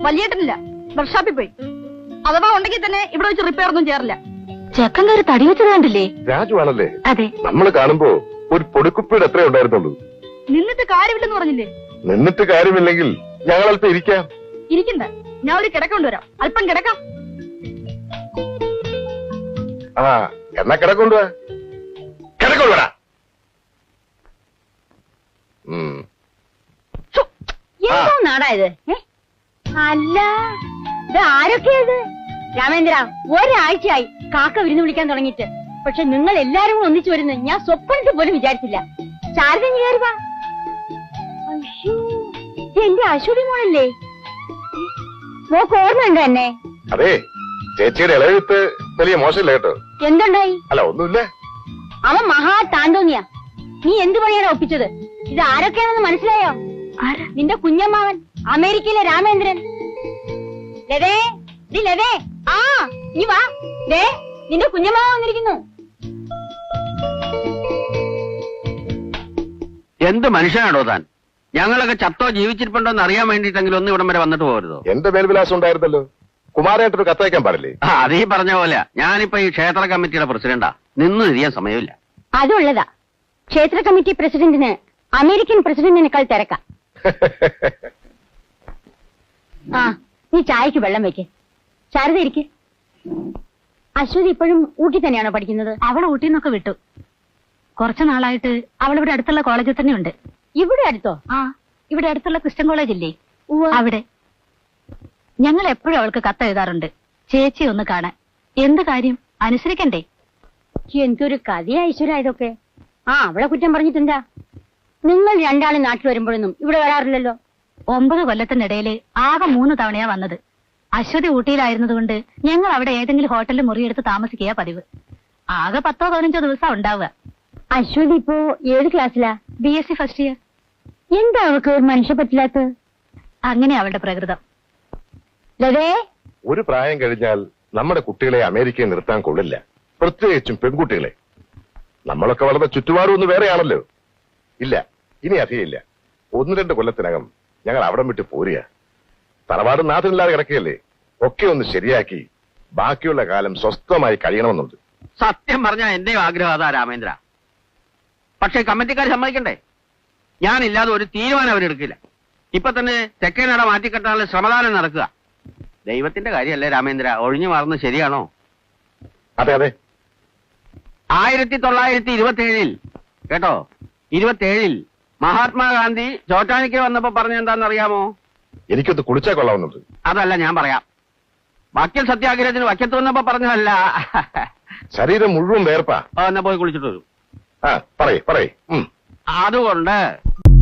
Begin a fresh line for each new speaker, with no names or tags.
വലിയേട്ടനില്ല, വർക്ക്ഷോപ്പിൽ പോയി. അഥവാ ഉണ്ടെങ്കിൽ തന്നെ ഇവിടെ വെച്ച് റിപ്പയർ ഒന്നും ചെയ്യാറില്ല.
ചെക്കൻ കയറി തടി വെച്ചത് കണ്ടില്ലേ?
രാജു ആണല്ലേ?
അതെ.
നമ്മൾ കാണുമ്പോ ഒരു പൊടിക്കുപ്പിയുടെ എത്ര ഉണ്ടായിരുന്നുള്ളൂ.
നിന്നിട്ട് കാര്യമില്ലെന്ന് പറഞ്ഞില്ലേ?
നിന്നിട്ട് കാര്യമില്ലെങ്കിൽ ഞങ്ങൾ അല്പം ഇരിക്കാം.
ഇരിക്കണ്ട, ഞാൻ ഒരു കിടക്ക കൊണ്ടുവരാം. അല്പം കിടക്കാം.
ആ എന്നാ കിടക്കൊണ്ടുവാ, കിടക്കൊണ്ടുവരാ.
എന്തോ നാടാ ഇത്? അല്ല, ഇത് ആരൊക്കെയത്? രാമേന്ദ്ര, ഒരാഴ്ചയായി കാക്ക വിരുന്ന് വിളിക്കാൻ തുടങ്ങിയിട്ട്. പക്ഷെ നിങ്ങൾ എല്ലാരും കൂടെ ഒന്നിച്ചു വരുന്നത് ഞാൻ സ്വപ്നത്തിൽ പോലും വിചാരിച്ചില്ല. ശാരദ കയറുക. അയ്യോ, എന്റെ അശ്വതി മോളല്ലേ? മോക്ക് ഓർമ്മയുണ്ടോ എന്നെ?
അതെ, ചേച്ചിയുടെ ഇളയത്ത് വലിയ മോശമില്ല കേട്ടോ.
എന്തുണ്ടായി?
അല്ല, ഒന്നുമില്ല.
അവൻ മഹാ താന്തോന്നിയാ. നീ എന്ത് പണിയാണ് ഒപ്പിച്ചത്? ഇത് ആരൊക്കെയാണെന്ന് മനസ്സിലായോ? നിന്റെ കുഞ്ഞമ്മാവൻ, അമേരിക്കയിലെ രാമേന്ദ്രൻ. ലതേ, ലതേ, ആ നീ വാ. ദേ, നിന്റെ കുഞ്ഞമ്മാവൻ വന്നിരിക്കുന്നു.
എന്ത് മനുഷ്യനാണോ താൻ? ഞങ്ങളൊക്കെ ചത്തോ ജീവിച്ചിരിപ്പുണ്ടോ എന്ന് അറിയാൻ വേണ്ടിട്ടെങ്കിലും ഒന്ന് ഇവിടം വരെ വന്നിട്ട് പോകരുതോ?
എന്റെ മേൽവിലാസം ഉണ്ടായിരുന്നല്ലോ. കുമാരേട്ടൊരു കത്തയക്കാൻ പാടില്ലേ?
അതീ പറഞ്ഞ പോലെ ഞാനിപ്പോ ഈ ക്ഷേത്ര കമ്മിറ്റിയുടെ പ്രസിഡന്റാ. നിന്ന് തിരിയാൻ സമയമില്ല.
അതുള്ളതാ. ക്ഷേത്ര കമ്മിറ്റി പ്രസിഡന്റിന് അമേരിക്കൻ പ്രസിഡന്റിനേക്കാൾ തിരക്കാം. ആ, നീ ചായക്ക് വെള്ളം വെക്ക്. ശാരദ ഇരിക്ക്. അശ്വതി ഇപ്പോഴും ഊട്ടി തന്നെയാണോ പഠിക്കുന്നത്?
അവൾ ഊട്ടിൽ നിന്നൊക്കെ വിട്ടു. കുറച്ചു നാളായിട്ട് അവൾ ഇവിടെ അടുത്തുള്ള കോളേജിൽ തന്നെ ഉണ്ട്.
ഇവിടെ അടുത്തോ?
ആ, ഇവിടെ അടുത്തുള്ള ക്രിസ്ത്യൻ കോളേജ് ഇല്ലേ, അവിടെ. ഞങ്ങൾ എപ്പോഴും അവൾക്ക് കത്ത് എഴുതാറുണ്ട്, ചേച്ചി ഒന്ന് കാണാൻ. എന്ത് കാര്യം, അനുസരിക്കണ്ടേ?
എന്തൊരു കഥയാ ഈശ്വര ഇതൊക്കെ. ആ, അവളെ കുറ്റം പറഞ്ഞിട്ടുണ്ടാ? നിങ്ങൾ രണ്ടാളും നാട്ടിൽ വരുമ്പോഴൊന്നും ഇവിടെ വരാറില്ലല്ലോ.
9 കൊല്ലത്തിനിടയിൽ ആകെ 3 തവണയാ വന്നത്. അശ്വതി ഊട്ടിയിലായിരുന്നതുകൊണ്ട് ഞങ്ങൾ അവിടെ ഏതെങ്കിലും ഹോട്ടലിൽ മുറിയെടുത്ത് താമസിക്കുക പതിവ്. ആകെ 10-15 ദിവസം ഉണ്ടാവുക.
അശ്വതി ഇപ്പോ ഏത് ക്ലാസ്സിലാ?
BSc first year.
എന്താ അവൾക്ക് ഒരു മനുഷ്യ പറ്റില്ലാത്ത?
അങ്ങനെ അവളുടെ പ്രകൃതം.
ലതേ,
ഒരു പ്രായം കഴിഞ്ഞാൽ നമ്മുടെ കുട്ടികളെ അമേരിക്കയിൽ നിർത്താൻ കൊള്ളില്ല, പ്രത്യേകിച്ചും പെൺകുട്ടികളെ. നമ്മളൊക്കെ വളർന്ന ചുറ്റുപാടും ഒന്ന് വേറെയാണല്ലോ. ഇല്ല, ഇനി അധികമില്ല. 1-2 കൊല്ലത്തിനകം ഞങ്ങൾ അവിടം വിട്ട് പോരുക. തറവാട് നാഥനില്ലാതെ കിടക്കുകയല്ലേ. ഒക്കെ ഒന്ന് ശരിയാക്കി ബാക്കിയുള്ള കാലം സ്വസ്ഥമായി കഴിയണമെന്നുണ്ട്.
സത്യം പറഞ്ഞാൽ എന്റെയും ആഗ്രഹം അതാ രാമേന്ദ്ര. പക്ഷെ കമ്മിറ്റിക്കാർ സമ്മതിക്കണ്ടേ? ഞാനില്ലാതെ ഒരു തീരുമാനം അവരെടുക്കില്ല. ഇപ്പൊ തന്നെ തെക്കേനട മാറ്റിക്കെട്ടാനുള്ള ശ്രമദാനം നടക്കുക. ദൈവത്തിന്റെ കാര്യമല്ലേ രാമേന്ദ്ര, ഒഴിഞ്ഞു മാറുന്നത് ശരിയാണോ?
അതെ അതെ.
1927 കേട്ടോ, 27 മഹാത്മാഗാന്ധി ചോറ്റാനിക്ക് വന്നപ്പോ പറഞ്ഞ എന്താണെന്നറിയാമോ?
എനിക്കൊന്ന് കുളിച്ചാൽ കൊള്ളാവുന്നുണ്ട്.
അതല്ല, ഞാൻ പറയാം. വക്കീൽ സത്യാഗ്രഹത്തിന് വക്കത്ത് വന്നപ്പോ പറഞ്ഞതല്ല.
ശരീരം മുഴുവൻ വേർപ്പാ.
എന്നാ പോയി കുളിച്ചിട്ട് വരും.
പറയേ.
അതുകൊണ്ട്